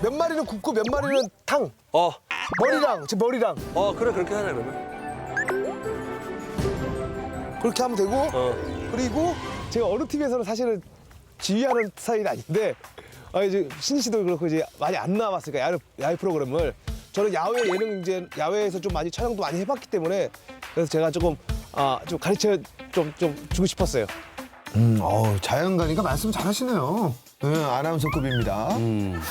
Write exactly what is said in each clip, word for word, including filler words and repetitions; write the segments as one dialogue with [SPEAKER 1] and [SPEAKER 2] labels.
[SPEAKER 1] 몇 마리는 굽고 몇 마리는 탕.
[SPEAKER 2] 어,
[SPEAKER 1] 머리랑 제 머리랑
[SPEAKER 2] 어 그래 그렇게 하자 그러면.
[SPEAKER 1] 그렇게 하면 되고.
[SPEAKER 2] 어.
[SPEAKER 1] 그리고 제가 어느 팀에서는 사실은 지휘하는 스타일이 아닌데 아 이제 신지 씨도 그렇고 이제 많이 안 나왔으니까 야외, 야외 프로그램을 저는 야외 예능 이제 야외에서 좀 많이 촬영도 많이 해봤기 때문에 그래서 제가 조금 아 좀 가르쳐 좀 좀 주고 싶었어요.
[SPEAKER 3] 음, 어 자연가니까 말씀 잘하시네요. 네, 아나운서급입니다.
[SPEAKER 2] 음.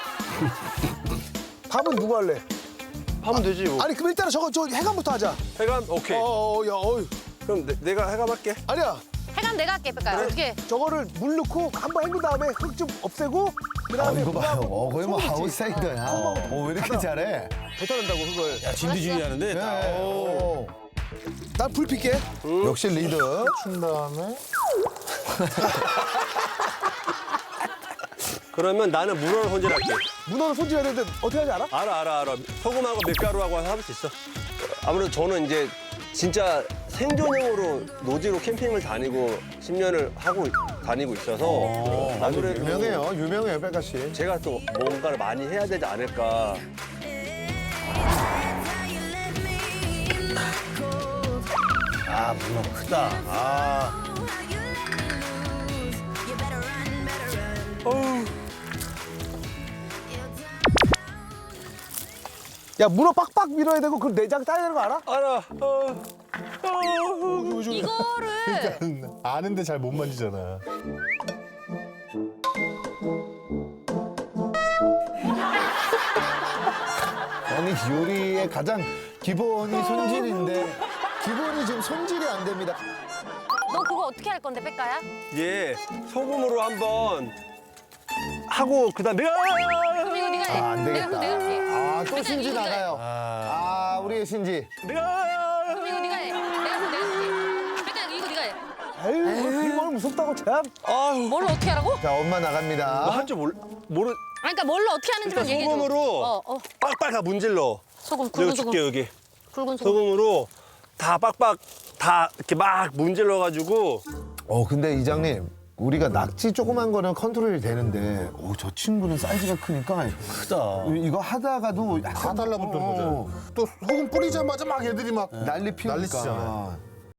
[SPEAKER 1] 밥은 누구 할래?
[SPEAKER 2] 하면 되지 뭐.
[SPEAKER 1] 아니 그럼 일단은 저거 저 해감부터 하자.
[SPEAKER 2] 해감 오케이.
[SPEAKER 1] 어어 야 어이
[SPEAKER 2] 그럼 내, 내가 해감할게.
[SPEAKER 1] 아니야
[SPEAKER 4] 해감 내가 할게, 뺄까요? 어떻게?
[SPEAKER 1] 저거를 물 넣고 한번 헹군 다음에 흙 좀 없애고 그
[SPEAKER 3] 아,
[SPEAKER 1] 다음에
[SPEAKER 3] 이거 봐요. 어, 거의 뭐
[SPEAKER 1] 소금이지.
[SPEAKER 3] 아웃사이더야.
[SPEAKER 1] 어.
[SPEAKER 3] 어, 왜 이렇게 잘해?
[SPEAKER 1] 뱉어낸다고 흙을.
[SPEAKER 5] 야, 진두지휘 하는데.
[SPEAKER 3] 네. 오.
[SPEAKER 1] 난 불 필게.
[SPEAKER 3] 역시 리더.
[SPEAKER 6] 춘 다음에
[SPEAKER 2] 그러면 나는 문어를 손질할게.
[SPEAKER 1] 문어를 손질해야 되는데 어떻게 하는지 알아?
[SPEAKER 2] 알아 알아 알아. 소금하고 밀가루하고 해서 할 수 있어. 아무래도 저는 이제 진짜 생존형으로 노지로 캠핑을 다니고 십 년을 하고 다니고 있어서 아무래도
[SPEAKER 3] 유명해요. 유명해요, 백가 씨.
[SPEAKER 2] 제가 또 뭔가를 많이 해야 되지 않을까.
[SPEAKER 5] 아, 문어 크다. 아.
[SPEAKER 1] 야 문어 빡빡 밀어야 되고 그 내장 따야 되는 거 알아?
[SPEAKER 2] 알아. 어.
[SPEAKER 4] 이거를
[SPEAKER 6] 아는데 잘 못 만지잖아.
[SPEAKER 3] 아니 요리의 가장 기본이 손질인데 기본이 지금 손질이 안 됩니다.
[SPEAKER 4] 너 그거 어떻게 할 건데, 뺄까야?
[SPEAKER 2] 얘 소금으로 한번 하고 그다음 내가
[SPEAKER 4] 그럼 이거 네가 해.
[SPEAKER 3] 아, 안
[SPEAKER 4] 내가
[SPEAKER 3] 되겠다.
[SPEAKER 4] 내가 할게.
[SPEAKER 3] 아, 또
[SPEAKER 4] 일단
[SPEAKER 3] 신지
[SPEAKER 4] 이거 네가 해.
[SPEAKER 3] 나가요. 아, 우리의 신지.
[SPEAKER 2] 내가
[SPEAKER 4] 그럼 이거 네가 해. 내가 내가 할게. 뺄까야 이거 네가 해.
[SPEAKER 1] 에이 그걸 무섭다고 참.
[SPEAKER 2] 아유
[SPEAKER 4] 뭘로 어떻게 하라고?
[SPEAKER 3] 자, 엄마 나갑니다.
[SPEAKER 2] 할 줄 모르 모르.
[SPEAKER 4] 아니, 그러니까 뭘로 어떻게 하는지만
[SPEAKER 2] 일단
[SPEAKER 4] 얘기해 줘.
[SPEAKER 2] 소금으로
[SPEAKER 4] 어, 어.
[SPEAKER 2] 빡빡 다 문질러.
[SPEAKER 4] 소금,
[SPEAKER 2] 내가
[SPEAKER 4] 굵은
[SPEAKER 2] 줄게
[SPEAKER 4] 소금.
[SPEAKER 2] 여기.
[SPEAKER 4] 굵은 소금.
[SPEAKER 2] 소금으로 다 빡빡 다 이렇게 막 문질러 가지고
[SPEAKER 3] 어, 근데 이장님. 우리가 낙지 조그만 거는 컨트롤이 되는데 오, 저 친구는 사이즈가 크니까
[SPEAKER 5] 크다.
[SPEAKER 3] 이거 하다가도
[SPEAKER 6] 다
[SPEAKER 3] 약간
[SPEAKER 6] 달라붙는
[SPEAKER 3] 어,
[SPEAKER 6] 거죠. 또 소금 뿌리자마자 막 애들이 막
[SPEAKER 3] 난리 피우니까.
[SPEAKER 6] 난리치잖아요.